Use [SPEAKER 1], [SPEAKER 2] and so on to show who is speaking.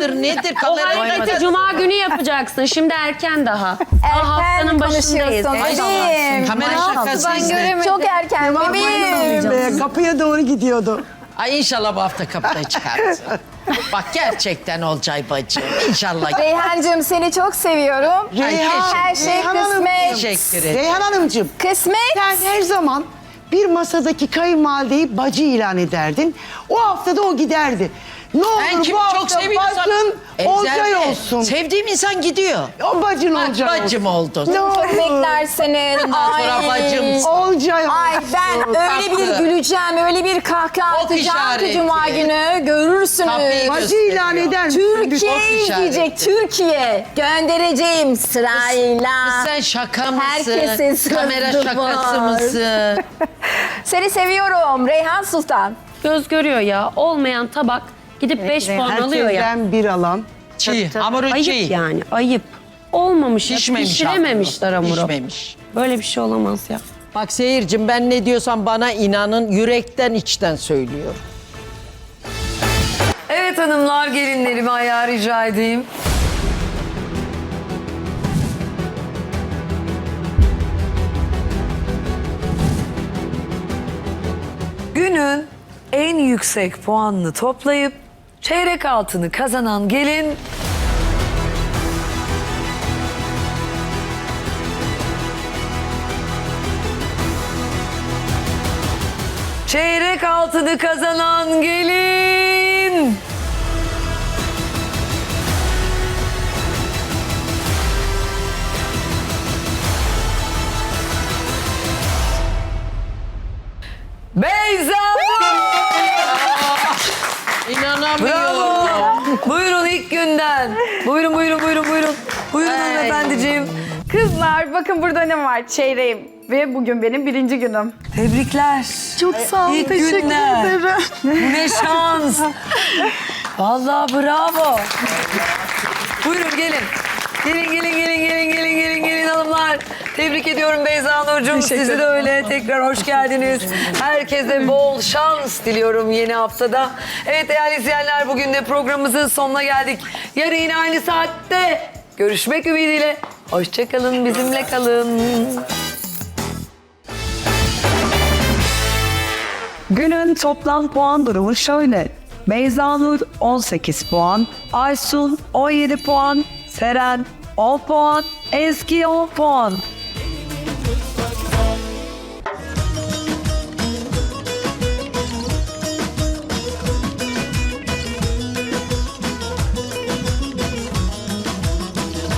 [SPEAKER 1] mıdır nedir?
[SPEAKER 2] O hareketi cuma günü yapacaksın. Şimdi erken daha. Haftanın başındayız.
[SPEAKER 1] Ay,
[SPEAKER 3] Bebeğim.
[SPEAKER 1] kamera şakası izle.
[SPEAKER 3] Çok erken bebeğim.
[SPEAKER 4] Kapıya doğru gidiyordu.
[SPEAKER 1] Ay inşallah bu hafta kapıda çıkarız. Bak gerçekten Olcay bacım. İnşallah.
[SPEAKER 3] Reyhancığım seni çok seviyorum. Her şey
[SPEAKER 4] Reyhan Hanım,
[SPEAKER 3] kısmet.
[SPEAKER 1] Teşekkür ederim.
[SPEAKER 4] Reyhan Hanımcığım,
[SPEAKER 3] Kısmet.
[SPEAKER 4] sen her zaman bir masadaki kayınvalideyi bacı ilan ederdin. O haftada o giderdi. Ne
[SPEAKER 1] Ben
[SPEAKER 4] olur
[SPEAKER 1] kimi
[SPEAKER 4] bu
[SPEAKER 1] çok
[SPEAKER 4] hafta
[SPEAKER 1] seviyorsam...
[SPEAKER 4] bacın Olcay olsun.
[SPEAKER 1] Sevdiğim insan gidiyor.
[SPEAKER 4] O bacın
[SPEAKER 1] Bak
[SPEAKER 4] Olcay olsun.
[SPEAKER 1] bacım oldun.
[SPEAKER 4] Ne
[SPEAKER 3] Çok
[SPEAKER 4] olur.
[SPEAKER 3] beklersenin.
[SPEAKER 1] Ondan sonra bacım.
[SPEAKER 4] Olcay olsun.
[SPEAKER 3] Ay ben öyle bir
[SPEAKER 1] Haklı.
[SPEAKER 3] güleceğim, öyle bir kahkaha
[SPEAKER 1] Ok
[SPEAKER 3] atacağım ki
[SPEAKER 1] işareti.
[SPEAKER 3] cuma günü görürsünüz.
[SPEAKER 1] Kapıyı
[SPEAKER 4] Bacı ilan eder misin?
[SPEAKER 3] Türkiye
[SPEAKER 1] Ok işareti.
[SPEAKER 3] izleyecek, Türkiye. Göndereceğim sırayla.
[SPEAKER 1] Sen şaka mısın?
[SPEAKER 3] Herkesin sırası
[SPEAKER 1] Kamera şakası
[SPEAKER 3] var.
[SPEAKER 1] mısın?
[SPEAKER 3] Seni seviyorum Reyhan Sultan.
[SPEAKER 2] Göz görüyor ya. Olmayan tabak gidip 5 puan alıyor ya.
[SPEAKER 4] Herkesten bir alan.
[SPEAKER 1] Çiğ, hamuru
[SPEAKER 2] Ayıp
[SPEAKER 1] çiğ.
[SPEAKER 2] yani, ayıp. Olmamış ya,
[SPEAKER 1] Pişmemiş
[SPEAKER 2] pişirememişler hamuru.
[SPEAKER 1] Pişmemiş.
[SPEAKER 2] Böyle bir şey olamaz ya.
[SPEAKER 1] Bak seyircim ben ne diyorsam bana inanın yürekten içten söylüyorum.
[SPEAKER 5] Evet hanımlar, gelinlerimi ayağa rica edeyim. Günün en yüksek puanını toplayıp çeyrek altını kazanan gelin çeyrek altını kazanan gelin Beyza!
[SPEAKER 1] İnanamıyorum.
[SPEAKER 5] Bravo! Buyurun ilk günden. Buyurun. Buyurun hanımefendiciğim.
[SPEAKER 6] Kızlar bakın burada ne var? Çeyreğim. Ve bugün benim 1. günüm.
[SPEAKER 5] Tebrikler.
[SPEAKER 6] Çok sağ olun.
[SPEAKER 5] İlk
[SPEAKER 6] Teşekkür
[SPEAKER 5] günler.
[SPEAKER 6] ederim.
[SPEAKER 5] Bu ne şans. Vallahi bravo. Buyurun gelin. Gelin hanımlar. Tebrik ediyorum Beyza Nurcuğum. Sizi de öyle. Tekrar hoş geldiniz. Herkese bol şans diliyorum yeni haftada. Evet değerli izleyenler, bugün de programımızın sonuna geldik. Yarın yine aynı saatte görüşmek ümidiyle. Hoşçakalın, bizimle kalın.
[SPEAKER 7] Günün toplam puan durumu şöyle. Beyza Nur 18 puan, Aysun 17 puan, Seren 10 puan, Ezgi 10 puan.